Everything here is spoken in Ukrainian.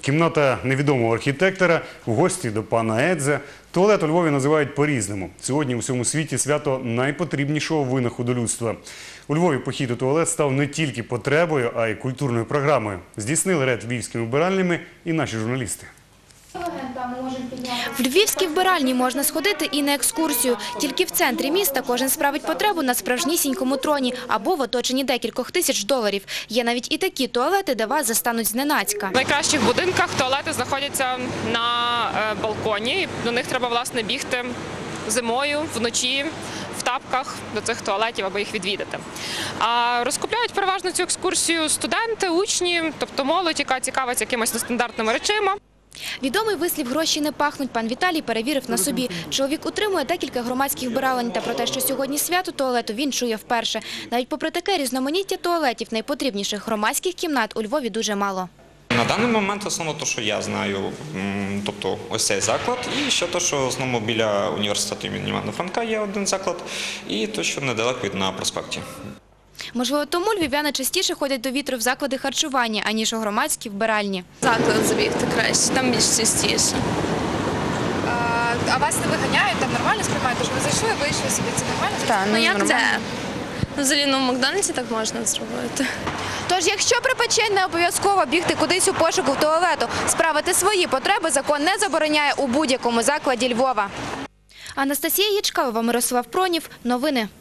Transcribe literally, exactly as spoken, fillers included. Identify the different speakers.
Speaker 1: Кімната невідомого архітектора, в гості до пана Едзе. Туалет у Львові називають по-різному. Сьогодні у всьому світі свято найпотрібнішого винаходу людства. У Львові похід у туалет став не тільки потребою, а й культурною програмою. Здійснили рейд львівськими вбиральнями і наші журналісти.
Speaker 2: В львівській вбиральні можна сходити і на екскурсію. Тільки в центрі міста кожен справить потребу на справжнісінькому троні або в оточенні декількох тисяч доларів. Є навіть і такі туалети, де вас застануть зненацька.
Speaker 3: В найкращих будинках туалети знаходяться на балконі. До них треба, власне, бігти зимою, вночі, в тапках до цих туалетів, аби їх відвідати. А розкупляють переважно цю екскурсію студенти, учні, тобто молодь, яка цікавиться якимось нестандартними речима.
Speaker 2: Відомий вислів «гроші не пахнуть» пан Віталій перевірив на собі. Чоловік утримує декілька громадських вбиралень, та про те, що сьогодні свято туалету, він чує вперше. Навіть попри таке різноманіття туалетів, найпотрібніших громадських кімнат у Львові дуже мало.
Speaker 4: На даний момент основно те, що я знаю, тобто ось цей заклад, і ще те, що основно біля університету імені Івана Франка є один заклад, і те, що недалеко від на проспекті.
Speaker 2: Можливо, тому львів'яни частіше ходять до вітру в заклади харчування, аніж у громадські вбиральні.
Speaker 5: Заклад забігти краще, там більш частіше.
Speaker 6: А, а вас не виганяють, там нормально сприймають? Тож ви зайшли, вийшли собі, це нормально?
Speaker 5: Так, ну як
Speaker 6: нормально.
Speaker 5: де? Взагалі, ну в Макдональдсі так можна зробити.
Speaker 6: Тож, якщо припече, не обов'язково бігти кудись у пошуку туалету. Справити свої потреби закон не забороняє у будь-якому закладі Львова.
Speaker 2: Анастасія Ячкалова, Мирослав Пронів. Новини.